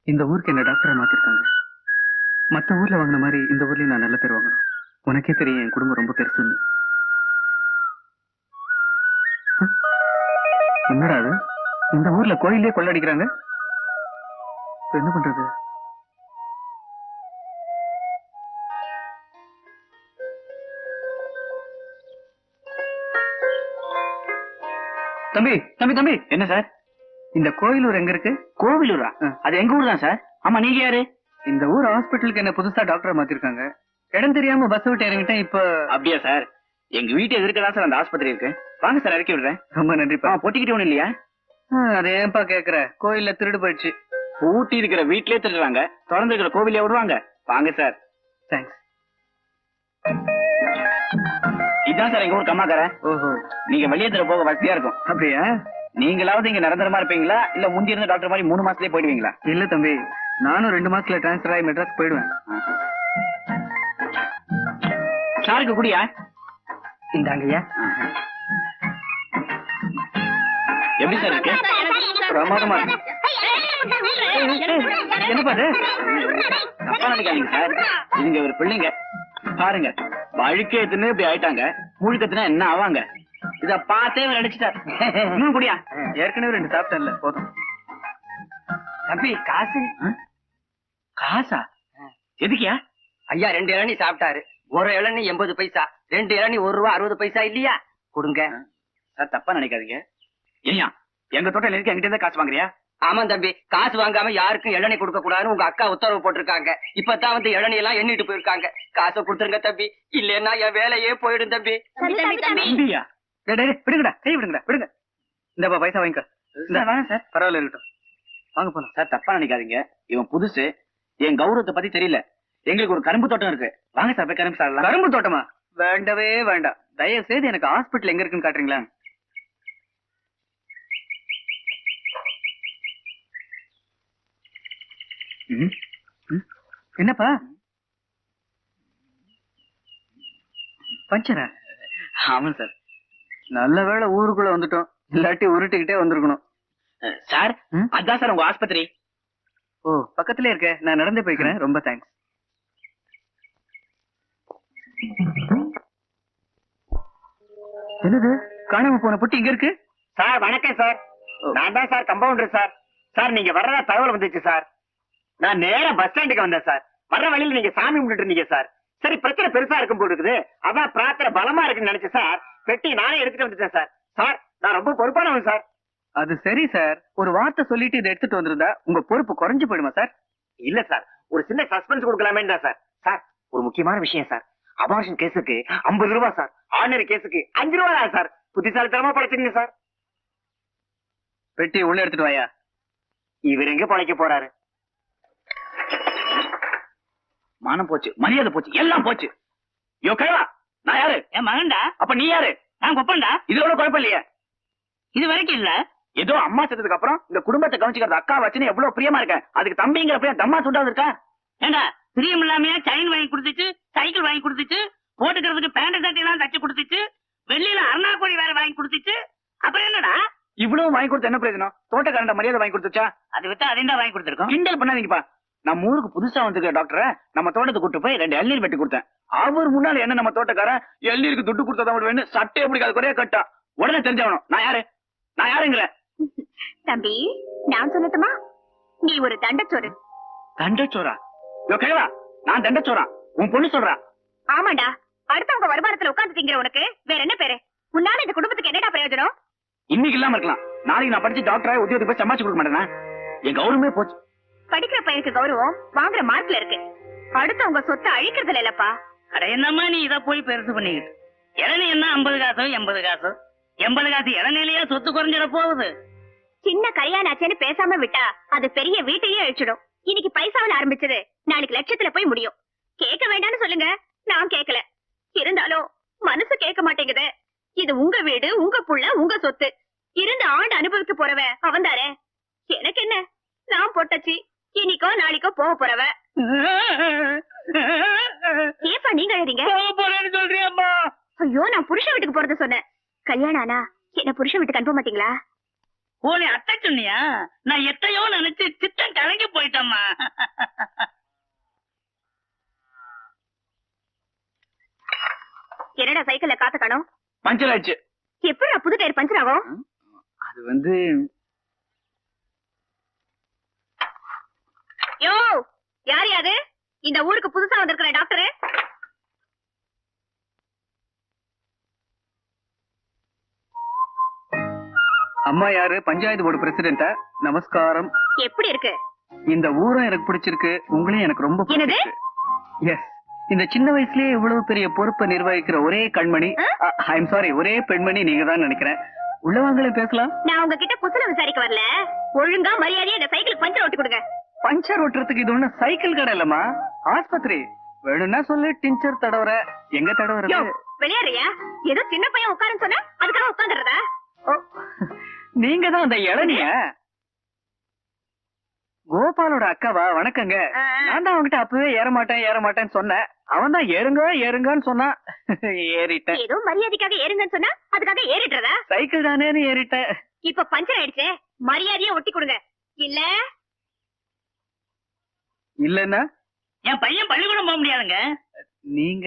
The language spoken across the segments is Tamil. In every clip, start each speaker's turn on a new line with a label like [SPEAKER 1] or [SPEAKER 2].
[SPEAKER 1] இந்த ஊருக்கு என்ன டாக்டரா மாத்திருக்காங்க. மத்த ஊர்ல வாங்கின மாதிரி இந்த ஊர்லயும் நான் நல்ல பேர் வாங்கணும். உனக்கே தெரியும் என் குடும்பம் ரொம்ப பெருசுன்னு. என்னடா அது, இந்த ஊர்ல கோயிலே கொள்ளடிக்கிறாங்க. என்ன பண்றது? தம்பி தம்பி தம்பி.
[SPEAKER 2] என்ன சார்?
[SPEAKER 1] இந்த கோயிலூர் எங்க இருக்கு?
[SPEAKER 2] கோவிலூரா? அது எங்க ஊர் தான் சார். ஆமா, நீங்க யாரு?
[SPEAKER 1] இந்த ஊர் ஹாஸ்பிட்டலுக்கு என்ன புதுசா டாக்டரா மாத்திருக்காங்க. இடம் தெரியாம பஸ் விட்டு இறங்கிட்டேன். இப்ப
[SPEAKER 2] அப்படியா சார்? எங்க வீட்டு எதிர்க்கதான் சார் அந்த ஆஸ்பத்திரி இருக்கு. வாங்க சார், இறக்கி விடுறேன்.
[SPEAKER 1] ரொம்ப நன்றிப்பா.
[SPEAKER 2] பொட்டிக்கிட்டு ஒண்ணு இல்லையா?
[SPEAKER 1] அது ஏன்பா கேக்குற? கோயில்ல திருடு போயிடுச்சு.
[SPEAKER 2] பூட்டி இருக்கிற வீட்லயே திருடுறாங்க, திறந்து இருக்கிற கோவிலே விடுவாங்க. வாங்க சார்.
[SPEAKER 1] தேங்க்ஸ்.
[SPEAKER 2] இதான் சார் எங்க ஊர் கம்மாக்கார.
[SPEAKER 1] ஓஹோ,
[SPEAKER 2] நீங்க வெளியே தர போக வசதியா இருக்கும்.
[SPEAKER 1] அப்படியா?
[SPEAKER 2] நீங்களாவது இங்க நிரந்தரமா இருப்பீங்களா, இல்ல முந்தி இருந்த டாக்டர் மாதிரி 3 மாசத்துலயே போயிடுவீங்களா?
[SPEAKER 1] இல்ல தம்பி, நானும் 2 மாசத்துல டிரான்ஸ்பர் ஆகி மெட்ராஸ் போயிடுவேன்.
[SPEAKER 2] சாருக்கு குடியா?
[SPEAKER 1] இந்தாங்கய்யா.
[SPEAKER 2] எப்படி சார் இருக்கு?
[SPEAKER 1] பிரமாதமா இருக்கு. என்ன பாரு,
[SPEAKER 2] தப்பா நினைக்காதீங்க சார். இதுங்க ஒரு பிள்ளைங்க பாருங்க, வழுக்கேத்துன்னு இப்படி ஆயிட்டாங்க. முழுக்கத்துனா என்ன ஆவாங்க? இத பார்த்தே நினைச்சிட்டார். இன்னும் குடியா?
[SPEAKER 1] ஏற்கனவே 2 சாப்பிட்டேன்ல, போதும்.
[SPEAKER 3] தம்பி, காசு?
[SPEAKER 2] காசா? எதுக்கியா?
[SPEAKER 3] ஐயா 2 இளநீ சாப்பிட்டாரு. ஒரு இளநீ 80 பைசா, 2 இளநீ 1 ரூபா 60 பைசா இல்லையா? கொடுங்க
[SPEAKER 2] சார். தப்பா நினைக்காதீங்க. ஏய்யா, எங்க தோட்டம் இருக்கு, எங்கிட்ட இருந்தா காசு வாங்குறியா?
[SPEAKER 3] ஆமா தம்பி, காசு வாங்காம யாருக்கும் இளநீ கொடுக்க கூடாதுன்னு உங்க அக்கா உத்தரவு போட்டிருக்காங்க. இப்பதான் வந்து இளநீ எல்லாம் எண்ணிட்டு போயிருக்காங்க. காசை கொடுத்துருங்க தம்பி, இல்லன்னா என் வேலையே போயிடும் தம்பி.
[SPEAKER 2] தம்பியா?
[SPEAKER 1] விடுங்கடா, கை விடுங்கடா, விடுங்க. இந்தப்பா பைசா வாங்கிக்க.
[SPEAKER 2] சார்
[SPEAKER 1] பரவாயில்ல, இருக்கட்டும். வாங்க போலாம்.
[SPEAKER 2] சார், தப்பா நினைக்காதீங்க. இவன் புதுசு, என் கௌரவத்தை பத்தி தெரியல. எங்களுக்கு ஒரு கரும்பு தோட்டம் இருக்கு. வாங்க சார், போய் கரும்பு சாப்பிடலாம்.
[SPEAKER 1] கரும்பு தோட்டமா? வேண்டவே வேண்டாம். தயவு செய்து எனக்கு ஹாஸ்பிட்டல் எங்க இருக்குன்னு காட்டுறீங்களா? என்னப்பா பஞ்சரா?
[SPEAKER 2] ஆமா சார்.
[SPEAKER 1] நல்ல வேளை ஊருக்குள்ள வந்துட்டோம், இல்லாட்டி உருட்டுக்கிட்டே வந்திருக்கணும்.
[SPEAKER 2] சார், அதான் சார் உங்க ஆஸ்பத்திரி.
[SPEAKER 1] ஓ, பக்கத்துல இருக்க. நான் நடந்து போய்க்கிறேன். ரொம்ப தேங்க்ஸ். என்னது, காணாம போன பொட்டி இங்க இருக்கு?
[SPEAKER 2] சார் வணக்கம் சார். நான் தான் சார் கம்பவுண்டர் சார். சார், நீங்க வர்றதா தகவல் வந்துச்சு சார். நான் நேரா பஸ் ஸ்டாண்டுக்கு வந்தேன் சார். வர்ற வழியில நீங்க சாமி கும்பிட்டு இருந்தீங்க சார். சரி, பிரச்சனை பெருசா இருக்கும் போல இருக்குது, அதான் பிரார்த்தனை பலமா இருக்குன்னு நினைச்சேன் சார். பெட்டி நானே எடுத்துட்டு வந்துட்டேன் சார். சார், நான் ரொம்ப பொறுப்பானவன் சார்.
[SPEAKER 1] அது சரி சார், ஒரு வார்த்தை சொல்லிட்டு இதை எடுத்துட்டு வந்திருந்தா உங்க பொறுப்பு குறைஞ்சு போயிடுமா சார்?
[SPEAKER 2] இல்ல சார், ஒரு சின்ன சஸ்பென்ஸ் கொடுக்கலாமே தான் சார். சார், ஒரு முக்கியமான விஷயம் சார். அபார்ஷன் கேஸுக்கு 50 ரூபாய் சார். ஆர்டினரி கேஸுக்கு 5 ரூபாய் தான் சார். புத்திசாலித்தனமா படைச்சிருங்க சார்.
[SPEAKER 1] பெட்டி உள்ள எடுத்துட்டு வாயா.
[SPEAKER 2] இவர் எங்க பழைக்க போறாரு? மானம் போச்சு, மரியாதை போச்சு, எல்லாம் போச்சு. யோ கைவா, நான் யாரு?
[SPEAKER 3] என் மகன்டா.
[SPEAKER 2] அப்ப நீ யாரு?
[SPEAKER 3] நான் கொப்பன்டா.
[SPEAKER 2] இதோட குழப்பம் இல்லையே.
[SPEAKER 3] இது வரைக்கும் இல்ல.
[SPEAKER 2] ஏதோ அம்மா செத்ததுக்கு அப்புறம் இந்த குடும்பத்தை கவனிச்சுக்கிறது அக்கா வச்சுன்னு எவ்வளவு பிரியமா இருக்கேன். அதுக்கு தம்பிங்கிற பிரியம் தம்மா சுட்டாது இருக்கா?
[SPEAKER 3] ஏண்டா, பிரியம் இல்லாமையா செயின் வாங்கி கொடுத்துச்சு, சைக்கிள் வாங்கி கொடுத்துச்சு, போட்டுக்கிறதுக்கு பேண்ட் சட்டை எல்லாம் தச்சு கொடுத்துச்சு, வெள்ளியில அருணாக்கோடி வேற வாங்கி கொடுத்துச்சு. அப்புறம் என்னடா?
[SPEAKER 2] இவ்வளவு வாங்கி கொடுத்து என்ன பிரயோஜனம்? தோட்டக்காரண்ட மரியாதை வாங்கி கொடுத்துச்சா?
[SPEAKER 3] அது விட்டு அதையும் வாங்கி கொடுத்துருக்கோம்.
[SPEAKER 2] கிண்டல் பண்ணாதீங்கப்பா. நம்ம ஊருக்கு புதுசா வந்திருக்க டாக்டரை நம்ம தோட்டத்தை கூட்டு போய் 2 இளநீர் வெட்டி கொடுத்தேன். அவர் முன்னால என்ன நம்ம தோட்டக்காரன் இளநீருக்கு துட்டு கொடுத்தா வேணும், சட்டையை பிடிக்காத குறைய கட்டா. உடனே தெரிஞ்சவனும் நான் யாரு, நான் யாருங்கிற?
[SPEAKER 4] தம்பி, நான் சொல்லட்டுமா? நீ ஒரு தண்டச்சோறு.
[SPEAKER 2] தண்டச்சோரா? கேவா, நான் தண்டச்சோரா? உன் பொண்ணு சொல்றா?
[SPEAKER 4] ஆமாண்டா, அடுத்தவங்க வருமானத்துல உட்கார்ந்து திங்கிற உனக்கு வேற என்ன பேரு? உன்னால இந்த குடும்பத்துக்கு என்னடா பிரயோஜனம்?
[SPEAKER 2] இன்னைக்கு இல்லாம இருக்கலாம், நாளைக்கு நான் படிச்சு டாக்டரா உத்தியோகத்துக்கு போய் சம்பாதிச்சு கொடுக்க மாட்டேனா? என் கௌரவமே போச்சு.
[SPEAKER 4] படிக்கிற பையனுக்கு கௌரவம் வாங்குற மார்க்ல இருக்கு, அடுத்தவங்க சொத்தை அழிக்கிறதுல இல்லப்பா.
[SPEAKER 3] அட என்னம்மா நீ இத போய் பெருசு பண்ணிக்கிட்டு? இளநீ என்ன 50 காசோ 80 காசோ? 80 காசு இளநிலையா சொத்து குறைஞ்சிட போகுது.
[SPEAKER 4] சின்ன கல்யாணாச்சேன்னு பேசாம விட்டா அது பெரிய வீட்டையே அழிச்சிடும். இன்னைக்கு பைசாவில் ஆரம்பிச்சது நாளைக்கு லட்சத்துல போய் முடியும். கேட்க வேண்டாம்னு சொல்லுங்க, நான் கேட்கல. இருந்தாலும் மனசு கேட்க மாட்டேங்குது. இது உங்க வீடு, உங்க புள்ள, உங்க சொத்து. இருந்த ஆண்டு அனுபவிக்க போறவ அவன் தானே. எனக்கு என்ன, நான் பொட்டச்சி, இன்னைக்கோ நாளைக்கோ போக போறவ. ஏப்பா நீங்க எழுதிங்க?
[SPEAKER 3] சொல்றியம்மா?
[SPEAKER 4] ஐயோ, நான் புருஷ வீட்டுக்கு போறத சொன்னேன். கல்யாணம் ஆனா என்ன புருஷ வீட்டுக்கு அனுப்ப மாட்டீங்களா?
[SPEAKER 3] ஓ, நீ அத்தை சொன்னியா? நான் எத்தையோ நினைச்சு சித்தம் கலங்கி போயிட்டம்மா. ஆமா.
[SPEAKER 4] என்னடா சைக்கிள்ல காத்த காணோம்?
[SPEAKER 1] பஞ்சர் ஆயிடுச்சு.
[SPEAKER 4] எப்படி புது டயர் பஞ்சர் ஆகும்?
[SPEAKER 1] அது வந்து
[SPEAKER 4] யோ, யார் யாது? இந்த ஊருக்கு புதுசா வந்திருக்கிற டாக்டர்.
[SPEAKER 1] அம்மா யாரு? பஞ்சாயத்து போர்டு பிரசிடென்டா? நமஸ்காரம்.
[SPEAKER 4] எப்படி இருக்கு?
[SPEAKER 1] இந்த ஊரும் எனக்கு பிடிச்சிருக்கு, உங்களையும் எனக்கு ரொம்ப
[SPEAKER 4] என்னது?
[SPEAKER 1] பிடிச்சிருக்கு. எஸ், இந்த சின்ன வயசுலயே இவ்வளவு பெரிய பொறுப்பை நிர்வகிக்கிற ஒரே கண்மணி, ஐ எம் சாரி, ஒரே பெண்மணி நீங்க தான் நினைக்கிறேன். உள்ளவாங்களே பேசலாம்.
[SPEAKER 4] நான் உங்ககிட்ட குசலம் விசாரிக்க வரல. ஒழுங்கா மரியாதையா இந்த சைக்கிள் பஞ்சர் ஓட்டி கொடுங்க.
[SPEAKER 1] பஞ்சர் ஓட்டுறதுக்கு இது ஒண்ணு சைக்கிள் கடை இல்லம்மா, ஆஸ்பத்திரி. வேணும்னா சொல்லு, டிஞ்சர் தடவுற. எங்க
[SPEAKER 4] யோ,
[SPEAKER 1] தடவுறது?
[SPEAKER 4] விளையாடுறியா? ஏதோ சின்ன பையன் உட்காருன்னு சொன்னா அதுக்காக உட்காந்துறதா?
[SPEAKER 1] நீங்க தான் அந்த இளநிய கோபாலோட அக்காவா? வணக்கங்க. நான் தான் அவன்கிட்ட அப்பவே ஏற மாட்டேன்னு சொன்னேன். அவன் தான் ஏறுங்க ஏறுங்கன்னு சொன்னான். ஏறிட்டேன்.
[SPEAKER 4] ஏதோ மரியாதைக்காக ஏறுங்கன்னு சொன்னா அதுக்காக ஏறிடுறதா?
[SPEAKER 1] சைக்கிள் தானேன்னு ஏறிட்டேன்.
[SPEAKER 4] இப்ப பஞ்சர் ஆயிடுச்சு, மரியாதையா ஒட்டி கொடுங்க. இல்ல
[SPEAKER 1] இல்லன்னா
[SPEAKER 3] என் பையன் பள்ளிக்கூடம் போக முடியாதுங்க.
[SPEAKER 1] நீங்க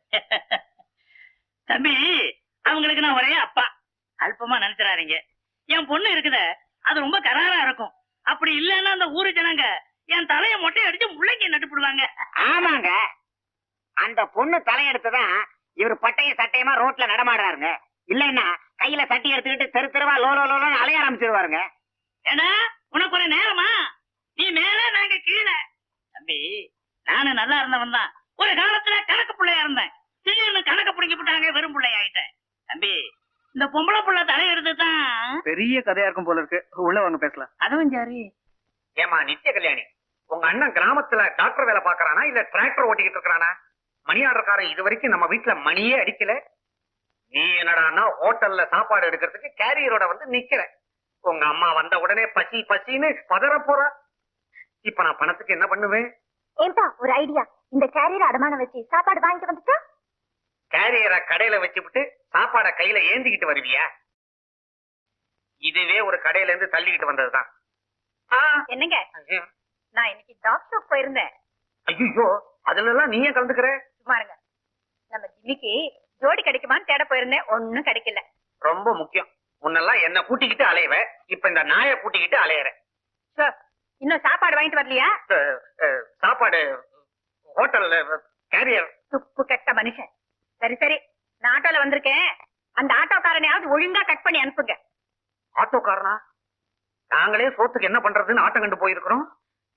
[SPEAKER 3] தம்பி, அவங்களுக்கு நான் ஒரே அப்பா. அல்பமா நினைச்சிடாதீங்க. என் பொண்ணு இருக்குத, அது ரொம்ப கராரா இருக்கும். அப்படி இல்லன்னா அந்த ஊரு ஜனங்க என் தலைய மொட்டை அடிச்சு முள்ளைக்கு நட்டுப்படுவாங்க.
[SPEAKER 2] ஆமாங்க, அந்த பொண்ணு தலையெடுத்துதான் இவர் பட்டையும் சட்டையுமா ரோட்ல நடமாடுறாருங்க. இல்லன்னா கையில சட்டி எடுத்துக்கிட்டு தெரு தெருவா லோலோ லோலோன்னு அலைய ஆரம்பிச்சிருவாருங்க.
[SPEAKER 3] ஏன்னா உனக்கு ஒரு நேரமா? நீ மேல, நாங்க கீழே. தம்பி, நானும் நல்லா இருந்தவன் தான். ஒரு காலத்துல கணக்கு பிள்ளையா இருந்தேன். திடீர்னு கணக்கு பிடிங்கி விட்டாங்க, வெறும் பிள்ளை ஆயிட்டேன். தம்பி, இந்த பொம்பளை புள்ள தலையெடுத்து தான்
[SPEAKER 1] பெரிய கதையா இருக்கும் போல இருக்கு. உள்ள வாங்க பேசலாம்.
[SPEAKER 3] அதுவும் சரி.
[SPEAKER 2] ஏமா நித்திய கல்யாணி, உங்க அண்ணன் கிராமத்துல டாக்டர் வேலை பாக்குறானா இல்ல டிராக்டர் ஓட்டிக்கிட்டு இருக்கானா? மணி ஆர்டர்காரன் இது வரைக்கும் நம்ம வீட்டுல மணியே அடிக்கல. நீ என்னடான்னா ஹோட்டல்ல சாப்பாடு எடுக்கிறதுக்கு கேரியரோட வந்து நிக்கிற. உங்க அம்மா வந்த உடனே பசி பசின்னு பதற போறா. இப்ப நான் பணத்துக்கு என்ன பண்ணுவேன்?
[SPEAKER 4] ஏன்பா ஒரு ஐடியா. இந்த கேரியர் அடமானம் வச்சு சாப்பாடு வாங்கிட்டு வந்துட்டா?
[SPEAKER 2] கேரியரை கடையில வச்சுவிட்டு சாப்பாட கையில ஏந்திக்கிட்டு வருவியா? இதுவே ஒரு கடையில இருந்து தள்ளிக்கிட்டு வந்ததுதான்.
[SPEAKER 4] என்னங்க, நான் இன்னைக்கு டாக்டர் போயிருந்தேன்.
[SPEAKER 2] ஐயோ, அதுல எல்லாம் நீயே கலந்துக்கிற?
[SPEAKER 4] சும்மாருங்க. நம்ம ஜிம்மிக்கு ஜோடி கிடைக்குமான்னு தேட போயிருந்தேன், ஒண்ணும் கிடைக்கல.
[SPEAKER 2] ரொம்ப முக்கியம். முன்னெல்லாம் என்ன கூட்டிக்கிட்டு அலையவ, இப்ப இந்த நாயை கூட்டிக்கிட்டு அலையற.
[SPEAKER 4] சார், இன்னும் சாப்பாடு வாங்கிட்டு வரலையா?
[SPEAKER 2] சாப்பாடு ஹோட்டல்ல கேரியர்.
[SPEAKER 4] துப்பு கெட்ட மனுஷன். சரி சரி, நான் ஆட்டோல வந்திருக்கேன். அந்த ஆட்டோக்காரனையாவது ஒழுங்கா கட் பண்ணி அனுப்புங்க.
[SPEAKER 2] ஆட்டோக்காரனா? நாங்களே சோத்துக்கு என்ன பண்றதுன்னு ஆட்டம் கண்டு போயிருக்கிறோம்.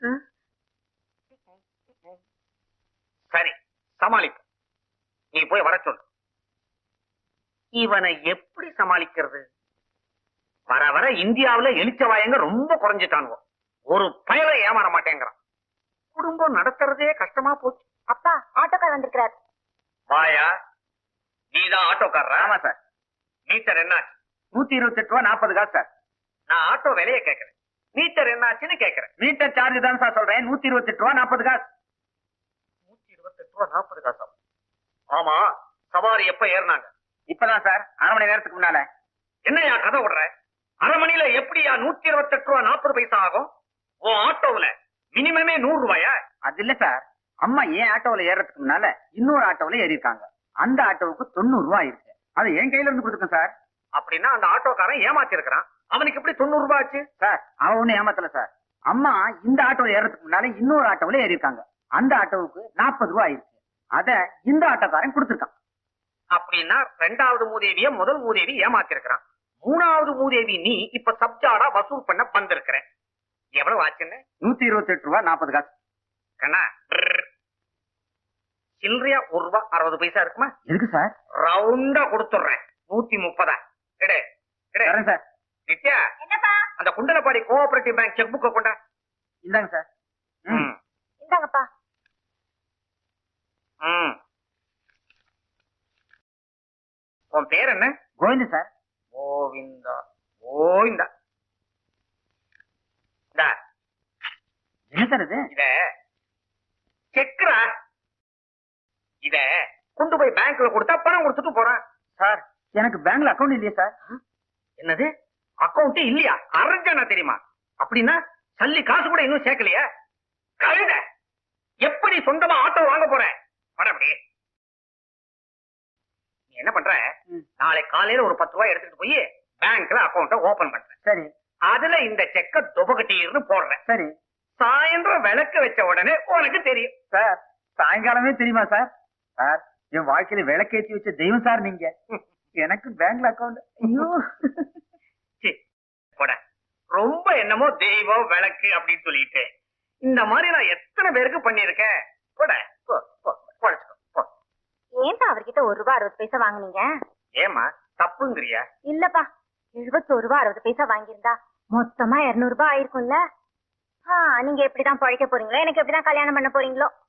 [SPEAKER 2] சரி, சமாளிப்பு. நீ போய் வர சொல்லு. இவனை எப்படி சமாளிக்கிறது? வர வர இந்தியாவுல எலிச்சவாயங்க ரொம்ப குறைஞ்சிட்டானுவோ. ஒரு பயலை ஏமாற மாட்டேங்கிறான். குடும்பம் நடத்துறதே கஷ்டமா போச்சு.
[SPEAKER 4] அப்பா, ஆட்டோக்கார் வந்திருக்கிறார்.
[SPEAKER 2] வாயா, நீதான் ஆட்டோக்காரரா? ஆமா சார். மீட்டர் என்ன? 128 ரூபா 40 காசு சார். நான் ஆட்டோ விலையை கேட்கிறேன், மீட்டர் என்னாச்சுன்னு கேட்கிறேன். மீட்டர் சார்ஜ் தான் சார் சொல்றேன். 128 ரூபா 40 காசு. 128 ரூபா 40 காசா? ஆமா. சவாரி எப்ப ஏறினாங்க? இப்பதான் சார், அரை மணி நேரத்துக்கு முன்னால. என்னையா கதை விடுற? அரை மணியில எப்படியா 128 ரூபா 40 பைசா ஆகும்? ஓ ஆட்டோவுல மினிமமே 100 ரூபாயா? அது இல்ல சார், அம்மா ஏன் ஆட்டோவுல ஏறதுக்கு முன்னால இன்னொரு ஆட்டோவுல ஏறி இருக்காங்க. அந்த ஆட்டோவுக்கு 90 ரூபாய் இருக்கு. அது என் கையில இருந்து கொடுத்துருக்கேன் சார். அப்படின்னா அந்த ஆட்டோக்காரன் ஏமாத்தி இருக்கிறான். அவனுக்கு எப்படி 90 ரூபாய் ஆச்சு? சார், அவன் ஒண்ணு ஏமாத்தல சார். அம்மா இந்த ஆட்டோல ஏறதுக்கு முன்னால இன்னொரு ஆட்டோவுல ஏறி இருக்காங்க. அந்த ஆட்டோவுக்கு 40 ரூபாய் இருக்கு. அத இந்த ஆட்டோக்காரன் கொடுத்துருக்கான். அப்படின்னா ரெண்டாவது மூதேவிய முதல் மூதேவி ஏமாத்தி இருக்கிறான். மூணாவது மூதேவி நீ இப்ப சப்ஜாடா வசூல் பண்ண வந்திருக்கிற. எவ்வளவு ஆச்சுன்னு? 128 ரூபாய் 40 காசு. கண்ணா, சில்லறையா 1 ரூபாய் 60 பைசா இருக்குமா? இருக்கு சார். ரவுண்டா கொடுத்துடுறேன். 130. எடு எடு சார். நித்யா,
[SPEAKER 4] என்னப்பா?
[SPEAKER 2] அந்த குண்டலப்பாடி கோஆபரேட்டிவ் பேங்க் செக் புக்க கொண்டா. இந்தாங்க சார்.
[SPEAKER 4] இந்தாங்கப்பா.
[SPEAKER 2] உன் பேர் என்ன? கோவிந்தா சார். கோவிந்தா கோவிந்தா. என்ன சார் இது? இத செக்ரா. இத கொண்டு போய் பேங்க்ல கொடுத்தா பணம் கொடுத்துட்டு போறேன். சார், எனக்கு பேங்க்ல அக்கவுண்ட் இல்லையா சார்? என்னது, அக்கவுண்ட் இல்லையா? அரஞ்சனா தெரியுமா? அப்படின்னா சல்லி காசு கூட இன்னும் சேர்க்கலையா? கழுத எப்படி சொந்தமா ஆட்டோ வாங்க போறேன்? வர அப்படியே. நீ என்ன பண்ற? நாளை காலையில ஒரு 10 ரூபாய் எடுத்துட்டு போய் பேங்க்ல அக்கௌண்ட ஓபன் பண்ற.
[SPEAKER 1] சரி
[SPEAKER 2] அதுல இந்த செக்க துபகட்டின்னு போடுறேன்.
[SPEAKER 1] சரி
[SPEAKER 2] சாயந்தரம் விளக்கு வச்ச உடனே உனக்கு தெரியும்.
[SPEAKER 1] சார் சாயங்காலமே தெரியுமா சார்? சார் என் வாழ்க்கையில விளக்கேத்தி வச்ச தெய்வம் சார் நீங்க. எனக்கு பேங்க்ல அக்கௌண்ட். ஐயோ
[SPEAKER 2] சீ, போட. ரொம்ப என்னமோ தெய்வம் விளக்கு அப்படின்னு சொல்லிட்டு இந்த மாதிரி நான் எத்தனை பேருக்கு பண்ணிருக்கேன். போட போ, போ, பொழைச்சுக்கோ, போ.
[SPEAKER 4] ஏன்பா அவர்கிட்ட 1 ரூபாய் 60 பைசா வாங்குனீங்க?
[SPEAKER 2] ஏமா தப்புங்கிறியா?
[SPEAKER 4] இல்லப்பா 71 ரூபாய் 60 பைசா வாங்கியிருந்தா மொத்தமா 200 ரூபாய் ஆயிருக்கும்ல. நீங்க எப்படிதான் பழைக்க போறீங்களோ, எனக்கு எப்படிதான் கல்யாணம் பண்ண போறீங்களோ.